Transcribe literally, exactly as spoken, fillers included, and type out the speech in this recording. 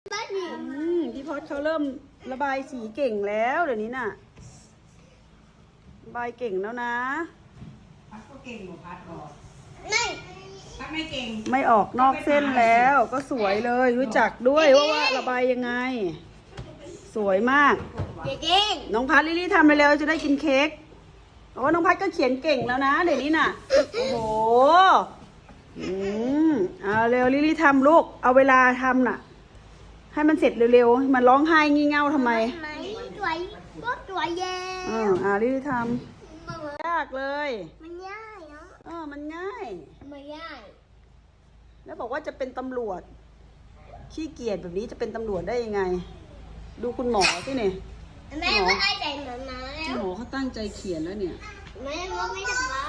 อืมพี่พอดเขาเริ่มระบายสีเก่งแล้วเดี๋ยวนี้น่ะระบายเก่งแล้วนะพัดก็เก่งหนูพัดออกไม่พัดไม่เก่งไม่ออกนอกเส้นแล้วก็สวยเลยรู้จักด้วยว่าว่าระบายยังไง สวยมากเก่งน้องพัดลิลี่ทำเร็วๆจะได้กินเค้กเพราะว่าน้องพัดก็เขียนเก่งแล้วนะเดี๋ยวนี้น่ะโอ้โหอืมเอาเร็วลิลี่ทำลูกเอาเวลาทำน่ะให้มันเสร็จเร็วๆมันร้องไห้งี่เง่าทำไมไม่สวยก็สวยเย้อ่าอ่าลิลี่ทำยากเลยมันง่ายเนาะเออมันง่ายมันง่ายแล้วบอกว่าจะเป็นตำรวจขี้เกียจแบบนี้จะเป็นตำรวจได้ยังไง ดูคุณหมอสิเนี่ยแม่ไม่ได้ใจหมามาแล้คุณวหมอเขาตั้งใจเขียนแล้วเนี่ยแม่ว่าไม่สบา